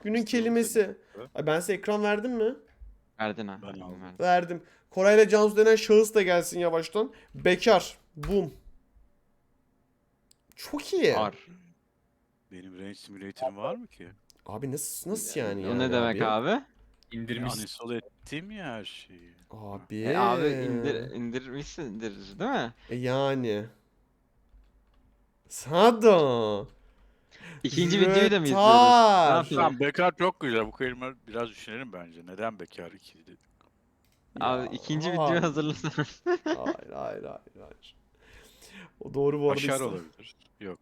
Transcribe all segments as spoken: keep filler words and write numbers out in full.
Günün İşte onu kelimesi. dedim. Ay ben size ekran verdim mi? Verdin ha. Ben verdin, aldım. verdin. Verdim. Koray'la Cansu denen şahıs da gelsin yavaştan. Bekar. Boom. Çok iyi. Ar. Benim Range Simulator'ım var mı ki? Abi nasıl nasıl yani O yani ne demek abi? abi? E, İndirmiş. uninstall ettim ya her şeyi. Abi. E, abi indir indirmişsindir değil mi? E yani. Sado. İkinci videoyu da mı izliyoruz? Ne Rötar. yapayım? Tamam, bekar çok güzel. Bu kelime biraz düşünelim bence. Neden bekar iki dedik? Abi Ya, ikinci hayır. videoyu hazırlasana. Hayır hayır hayır hayır. O doğru bu arada. Başar İslam. olabilir. Yok.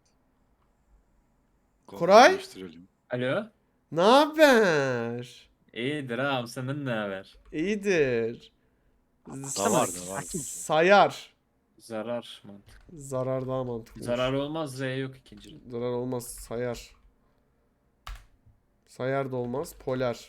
Koray? Değiştirelim. Alo. Ne haber? İyidir ağam, senden ne haber? İyidir. Da var da var. Sayar. Zarar mantık. Zarar daha mantıklı. Zarar olmaz, Z yok ikinci. Zarar olmaz. Sayar. Sayar da olmaz. Polar.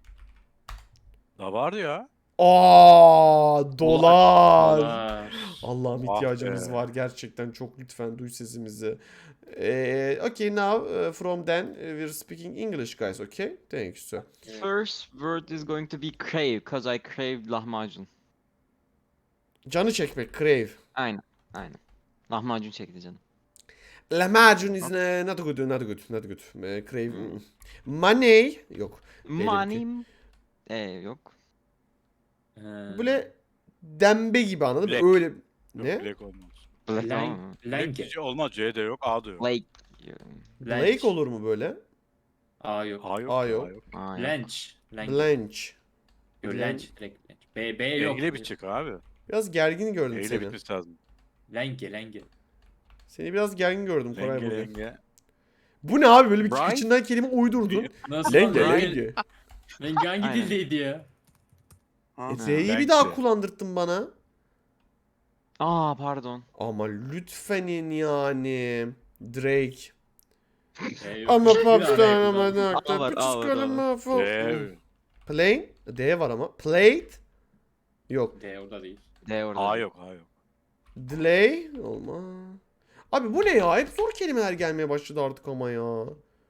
Da var ya. Aa, dolar. Dolar. Allah'ım Ah ihtiyacımız be. var gerçekten, çok lütfen duy sesimizi. Ee, okay, now uh, from then uh, we're speaking English guys, okay? Thank you sir. First word is going to be crave, cause I crave lahmacun. Canı çekmek, crave. Aynen, aynen. Lahmacun çekti canım. Lahmacun is uh, not good, not good, not good. Uh, crave. mm. Money yok. Money... Ee, yok. He. Böyle dembe gibi, anladın mı? Black. Öyle. Yok, Ne? Black olmaz. Black Lang- ama. Lange. Black olmaz. C de yok. A da yok. Blake. Blake olur mu böyle? A yok. A yok. A A yok. yok. Aa, yok. Blanche. Lange. Blanche. Yo, Blanche. Lange. Direkt Blanche. B, B E yok. ile bitecek abi. Biraz gergin gördüm E ile seni. bitmesi lazım. Lange, Lange. Seni biraz gergin gördüm Koray Lenge bugün. lenge. Bu ne abi, böyle bir Brian? içinden kelime uydurdun. Nasıl Lenge lan? lenge. Lange hangi Aynen. dildeydi ya? Ha, E, Z'yi bir lenge. daha kullandırttın bana. Aa pardon. Ama lütfenin yani. Drake. B yok. Ama Bir daha popstar Lange ama kullandım. ne Aa, var, kadar aa, var, kalema D. fo- Plane. D var ama. Plate. Yok. D orada değil. D orada. A değil. yok. A yok. Delay. Olmaz. Abi bu ne ya? Hep zor kelimeler gelmeye başladı artık ama ya.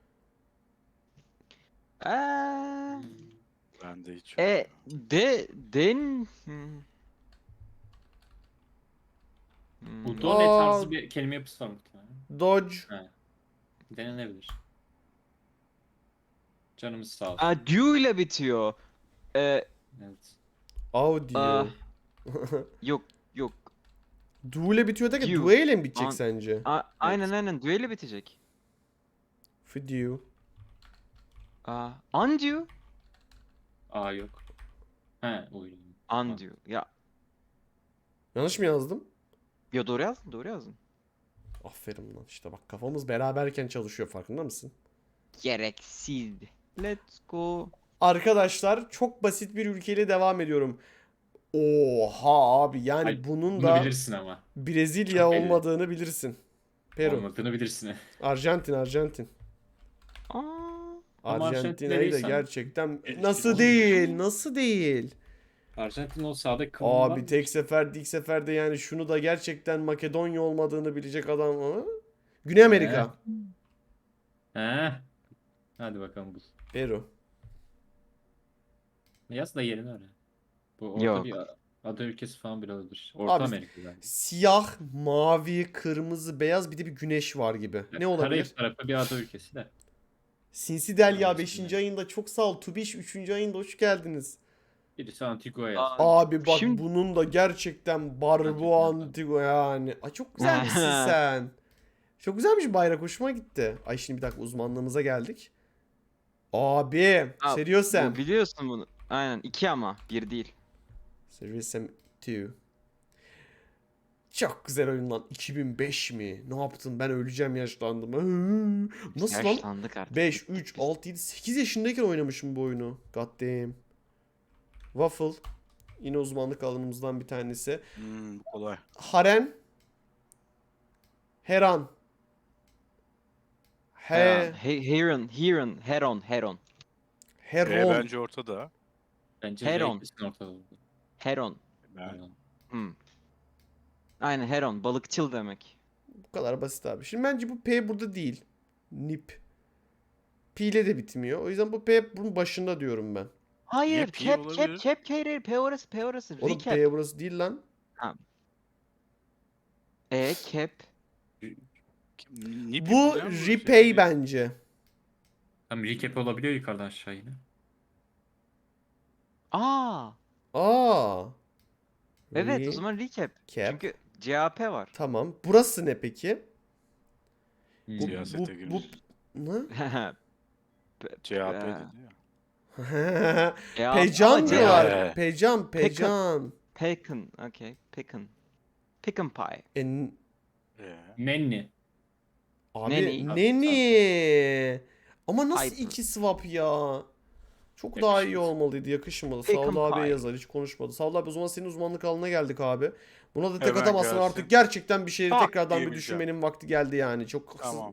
Eee... Bende hiç yok. E de den Hmm. Hmm. Bu do ne tarzı Aa. bir kelime yapısı var muhtemelen. Dodge. Denenebilir. Canımız sağ olsun. Aa, dew ile bitiyor. Ee, Evet. Audio. Aa. yok yok. Du ile bitiyor da ki Dew. due ile mi bitecek An- sence? A- aynen aynen dew ile bitecek. Video. Aa, undue. A yok. He oyun. Undue. Ya, Yanlış mı yazdım? ya doğru yazdın doğru yazdın. Aferin lan, işte bak kafamız beraberken çalışıyor, farkında mısın? Gereksiz. Let's go. Arkadaşlar çok basit bir ülkeyle devam ediyorum. Oha abi, yani Ay, bunun Bunu da bilirsin ama. Brezilya Çok belli. olmadığını bilirsin. Peru. Olmadığını bilirsin. Arjantin, Arjantin. Aa, Ama Arjantina'yı da Arjantin'de gerçekten değilsen- nasıl değil, nasıl değil? Arjantin o sağda kıvım var Abi mı? tek seferde ilk seferde yani şunu da gerçekten Makedonya olmadığını bilecek adam ama. Güney Amerika. He. Hadi bakalım bul. Peru. Yaz da yerini öyle. Bu orada Yok. bir ada ülkesi falan bile olabilir. Orta Abi, Amerika yani. Siyah, mavi, kırmızı, beyaz, bir de bir güneş var gibi. Ne olabilir? Karayip tarafı bir ada ülkesi de. Sinsi Delya Karayip beşinci yani. ayında çok sağ ol. Tubiş üçüncü ayında hoş geldiniz. Birisi Antigua yaz. Aa, Abi bak Şimdi- bunun da gerçekten Barbu Antigua yani. Ay çok güzelmişsin sen. Çok güzelmiş bayrak, hoşuma gitti. Ay şimdi bir dakika, uzmanlığımıza geldik. Abi, Aa, Seriosem. bu biliyorsun bunu. Aynen iki ama bir değil. Seriosem iki. Çok güzel oyun lan. iki bin beş mi? Ne yaptın? Ben öleceğim, yaşlandım. Hı. Nasıl lan? Yaşlandık artık. beş, üç, altı, yedi, sekiz yaşındayken oynamışım bu oyunu. God damn. Waffle. Yine uzmanlık alanımızdan bir tanesi. Hmm, bu kolay. Haren. Heran. He. Heron, he- Heron, Heron, Heron, Heron. E Heron. bence ortada. Bence Heron. Heron. ortada oldu. Heron. Ben Hmm. Aynen Heron, balıkçıl demek. Bu kadar basit abi. Şimdi bence bu P burada değil. Nip. P ile de bitmiyor. O yüzden bu P hep bunun başında diyorum ben. Hayır, P cap olabilir. cap cap hayır, P orası, P orası. Oğlum Recap. P burası değil lan. E cap. Nipi Bu bilen bu repay şey. bence. Tam recap olabiliyor yukarıdan aşağı yine. Aa. Aa. Evet, o zaman recap. Recap. Çünkü C A P var. Tamam. Burası ne peki? Hmm. Bu, Siyasete bu, bu, girmiş. ne? C H P Ee, dedi ya. C A P Pecan ama C A P. diyorlar. Ee. Pecan, pecan. Pecan, okay. Pecan. Pecan pie. E, n- Ee, Nenni. abi Neni. neni. Ama nasıl Piper. iki swap ya? Çok daha iyi Yakışmaz. olmalıydı, yakışmadı. Pecan Savlı abiye pie. yazar, hiç konuşmadı. Savlı abi, o zaman senin uzmanlık alanına geldik abi. Buna da tek Hemen atamazsın gelsin. artık. Gerçekten bir şeyi Tak tekrardan bir diyebileceğim. düşünmenin vakti geldi yani. Çok haksız. tamam.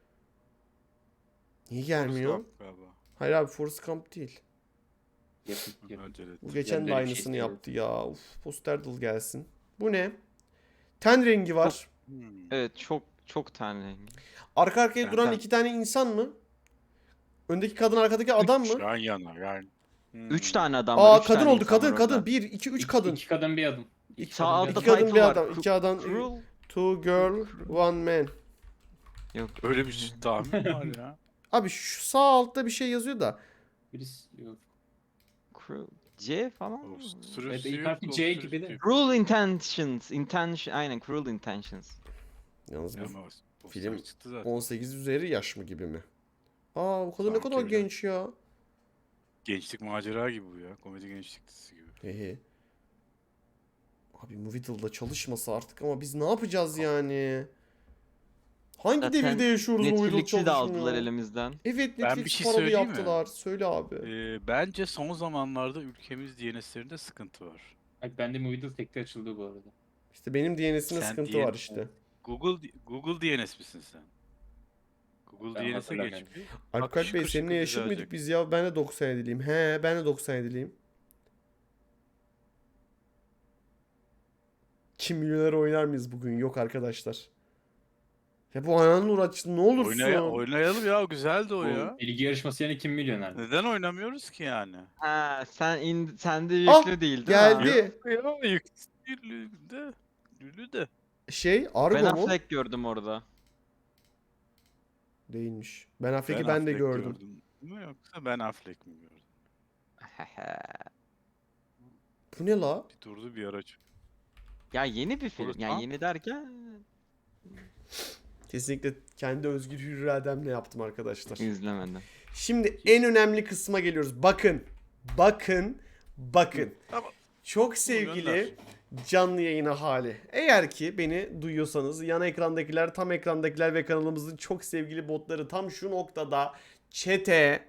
Niye gelmiyor? Forrest Gump galiba. Hayır abi, Forrest Gump değil. Yakın, yakın. Bence de. Bu geçen Ben de de öyle bir şey aynısını istiyorum. yaptı ya. Uf, Posterdal gelsin. Bu ne? Ten rengi var. Hmm. Evet, çok çok tane. Arka arkaya Ben- duran ben- iki tane insan mı? Öndeki kadın, arkadaki adam mı? Yan yana yani. Hmm. Üç tane adam var. Aa, üç kadın tane oldu. insan Kadın var kadın. orada. Bir, iki, üç İki- kadın. İki kadın bir adam. İki Sağ kadın, altta İki bir adam. kadın title bir var. adam. Cru- iki adam. Cruel. Two girl, one man. Yok. Öyle bir şey tahmin var ya. Abi şu sağ altta bir şey yazıyor da. Birisi yok. Cruel. C falan. O mı? sürüsü Evet, ilk yok, harfi o C sürüsü gibi de. yok. Cruel intentions. Intention. Aynen, cruel intentions. Yalnız bu Ama o film poster çıktı zaten. on sekiz üzeri yaş mı gibi mi? Aa, bu kadın ne Sanki kadar öyle. genç ya. Gençlik macera gibi bu ya. Komedi gençlik dizisi gibi. Hehe. Abi Movidal'da çalışmasa artık, ama biz ne yapacağız yani? Hangi Zaten devirde yaşıyoruz Movidal Netflix'i de aldılar çalışmıyor? elimizden. Evet, Ben Netflix bir şey paralı söyleyeyim mi? yaptılar. Söyle abi. Ee, bence son zamanlarda ülkemiz D N S'lerinde sıkıntı var. Ay, bende Movidal tekte açıldı bu arada. İşte benim D N S'ine Sen sıkıntı D N var işte. Google Google D N S misin sen? Google Ben D N S'e hatırlamıyorum. geçmiş. Alper Bey, şıkır seninle şıkır yaşıt düzelecek. mıydık biz ya? Ben de doksan yediliyim. He, ben de doksan yediliyim. Kim milyoner oynar mıyız bugün? Yok arkadaşlar. Ya bu ananın uğraştı, ne olursun. Oynaya, oynayalım ya, güzeldi o Bu ya. bilgi yarışması yani kim milyoner? Neden oynamıyoruz ki yani? Ha, sen in, sende Ah, yüklü değil değil mi? geldi. Ya yüksüllü de, lülü de. Şey, Argo Ben mu? Affleck gördüm orada. Değilmiş. Ben Affleck'i ben, de Affleck gördüm. Değil mi, yoksa ben Affleck mi gördüm? Bu ne la? Bir durdu bir araç. Ya yeni bir film. Forrest Ya Gump. yeni derken Kesinlikle kendi özgür hür irademle yaptım arkadaşlar. izlemedim. Şimdi en önemli kısma geliyoruz. Bakın. Bakın. Bakın. Tamam. Çok sevgili canlı yayına hali. Eğer ki beni duyuyorsanız, yan ekrandakiler, tam ekrandakiler ve kanalımızın çok sevgili botları tam şu noktada chat'e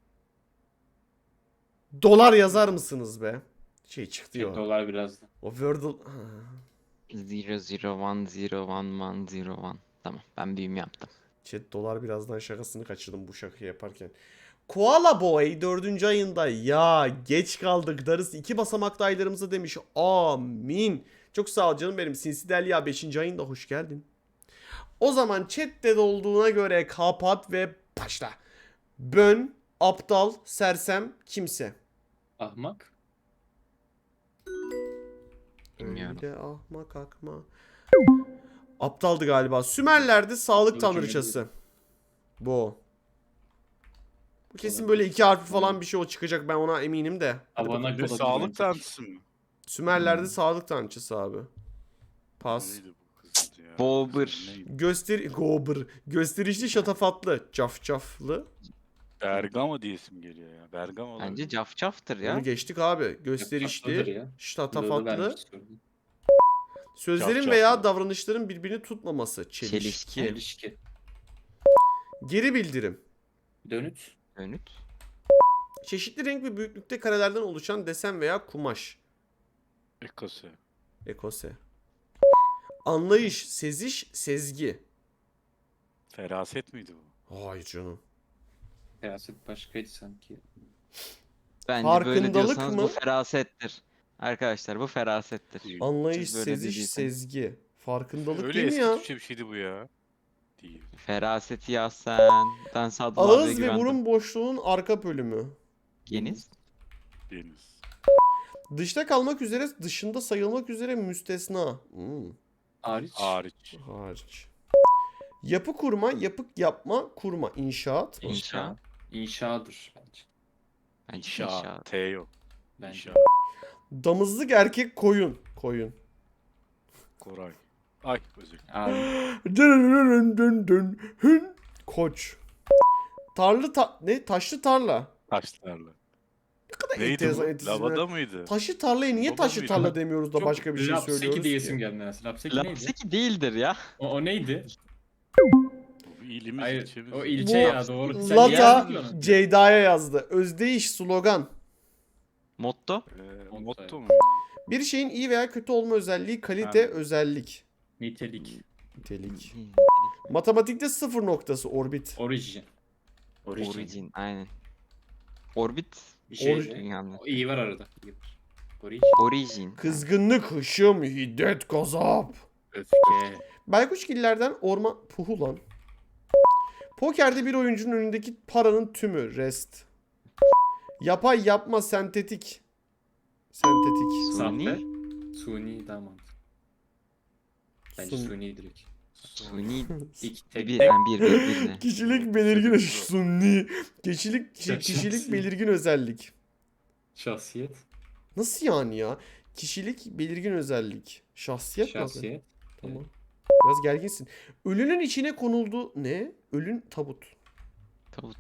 dolar yazar mısınız be? Şey çıktı ya. Dolar birazdan. O Wordle... Ha. zero zero one zero one one zero one. Tamam, ben büyüm yaptım. Chat dolar birazdan şakasını kaçırdım bu şakayı yaparken. Koala Boy dördüncü ayında ya geç kaldık darısı iki basamaklı aylarımıza demiş. Amin. Çok sağ ol canım benim. Sinsi Delia beşinci ayında hoş geldin. O zaman chatte de olduğuna göre kapat ve başla. Bön, aptal, sersem, kimse. Ahmak. Bilmiyorum. Öyle ahmak akma. Aptaldı galiba. Sümerler'de sağlık Aptal tanrıçası. Bu. Bu kesin böyle iki harfi falan bir şey o çıkacak, ben ona eminim de. Hadi bakalım. Havana Bir de kola sağlık bilmiyorum. tanrısı mı? Sümerler'de Hmm. sağlık tanrıçası abi. Pas. Neydi bu kızın ya? Bobber. Kızın neydi? Göster Gober. Gösterişli, şatafatlı, cafcaflı. Bergama diye isim geliyor ya. Bergama Bence olabilir. cafcaftır ya. Onu geçtik abi. Tatlıdır Gösterişli, ya. Burada da şatafatlı. vermiş sorun. Sözlerin Cafcaflı. veya davranışların birbirini tutmaması. Çelişki. Çelişki. İlişki. Geri bildirim. Dönüt. Dönüt. Çeşitli renk ve büyüklükte karelerden oluşan desen veya kumaş. Ekose. Ekose. Anlayış, seziş, sezgi. Feraset miydi bu? Hayır canım. Siyaset başkaydı sanki. Bence böyle Farkındalık diyorsanız mı? bu ferasettir. Arkadaşlar bu ferasettir. Anlayış, Siz böyle seziş, dediyseniz. sezgi. Farkındalık Öyle değil mi eski ya? Türkçe bir şeydi bu ya. Değil. Feraseti yaz sen. Ben Sadullah abiye Ağız ve güvendim. burun boşluğunun arka bölümü. Geniz. Deniz. Dışta kalmak üzere, dışında sayılmak üzere müstesna. Hmm, Hariç. Hariç. hariç. Yapı kurma, yapık yapma, kurma, inşaat. mı? İnşa. İnşadır bence. Bence İnşa. inşa. T yok. Bence. İnşa. Damızlık erkek koyun. Koyun. Koray. Ay özür dilerim. Abi. Dın dın dın hın. Koç. Tarlı ta ne? Taşlı tarla. Taşlarla. Ne kadar Neydi enteresan bu? isimler. Lavada mıydı? Taşlı tarlaya niye Baba taşlı mıydı? tarla demiyoruz da Çok başka bir şey Lapseki söylüyoruz diyesim ki? geldi mesela. Lapseki neydi? Lapseki değildir ya. O, o neydi? Bu bir ilimiz, Hayır. ilçemiz. O Bu ilçe ya doğru. Sen Lata yazdın onu. Ceyda'ya yazdı. Özdeyiş slogan. Motto. Ee, motto mu? Bir şeyin iyi veya kötü olma özelliği, kalite, Ha. özellik. Nitelik. Nitelik. Matematikte sıfır noktası, orbit. Origin. Origin. Origin. Aynen. Orbit. Bir şey. Origin. Dünyanın. O iyi var arada. İyi var. Origin. Origin. Kızgınlık, hışım, hiddet, gazap. Öfke. Baykuşgillerden orman... Puhu lan. Pokerde bir oyuncunun önündeki paranın tümü, rest. Yapay, yapma, sentetik. Sentetik. Suni. Sahte. Suni daha mantıklı. Bence Sun- suni direkt. Suni. İlk tek. Bir, yani bir, bir, bir ne? Kişilik belirgin sunni. Kişilik Şahsiyet. kişilik belirgin özellik. Şahsiyet. Nasıl yani ya? Kişilik belirgin özellik. Şahsiyet mi? Şahsiyet. Tamam. Biraz gerginsin. Ölünün içine konuldu ne? Ölün tabut. Tavut.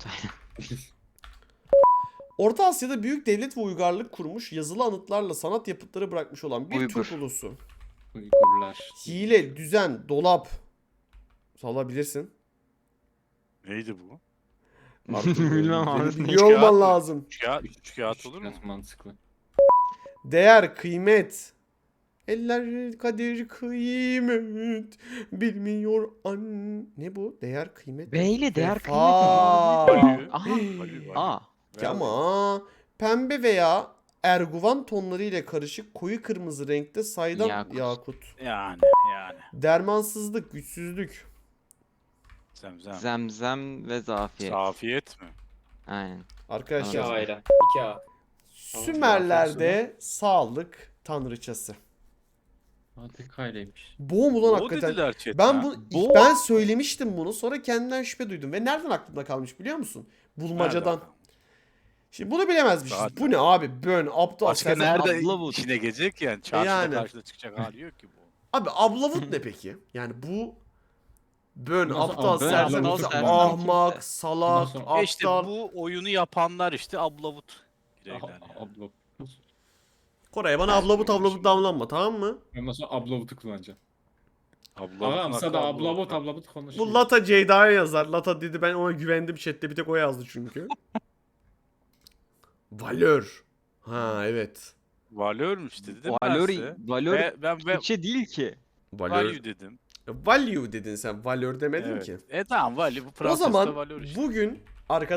Orta Asya'da büyük devlet ve uygarlık kurmuş, yazılı anıtlarla sanat yapıtları bırakmış olan bir Uygur. Türk ulusu. Uygurlar. Hile, düzen, dolap. Salabilirsin. Neydi bu? Artık Bilmem abi. Biliyor Üç olman kağıt mı? lazım. Üç kağıt, üç kağıt olur mu? Biraz mantıklı. Değer, kıymet. Eller kadir kıymet bilmiyor an. Ne bu? Değer, kıymet. B ile değer Vefa. kıymet. Value. Aha. Value, value. Aa. Ver. Ama pembe veya erguvan tonları ile karışık koyu kırmızı renkte saydam yakut. Yakut. Yani yani. Dermansızlık, güçsüzlük. Zemzem. Zemzem ve zafiyet. Safiyet mi? Aynen. İki Arkadaşlar Anladım. A'yla. İki A. Sümerler'de sağlık tanrıçası. A tek A'ylaymış. Boğum ulan O hakikaten. dediler chatten. Ben bu Bu- ben söylemiştim bunu, sonra kendimden şüphe duydum ve nereden aklımda kalmış biliyor musun? Bulmacadan. Nereden? Şimdi bunu bilemezmişiz. Zaten. Bu ne abi? Bön, aptal, Başka sersem- nerede Ablavut. içine gelecek yani? Çarşıda Yani. karşıda çıkacak hali yok ki bu. Abi ablavut ne peki? Yani bu bön, Nasıl aptal, ab- bön, sersem, ablavut, insan, sersem ahmak, kimse. salak, Ondan sonra- aptal. E işte bu oyunu yapanlar işte ablavut. Bireyler Aha, yani. Ablo. Koray bana Ben ablavut bilmiyorum ablavut şimdi. damlanma, tamam mı? Ondan sonra ablavutu kullanacağım. Ablavut. Ağam sana da ablavut ablavut konuşuyor. Bu Lata Ceyda'ya yazar. Lata dedi, ben ona güvendim chatte, bir tek o yazdı çünkü. Valör. Ha evet. Valörmüş dedim Valör, ben size. valör Ve ben ve Türkçe değil ki. Valör. value dedim. Value dedin sen. Valör demedin Evet. ki. E tamam value bu O Fransızca zaman valör işte. bugün arkadaşlar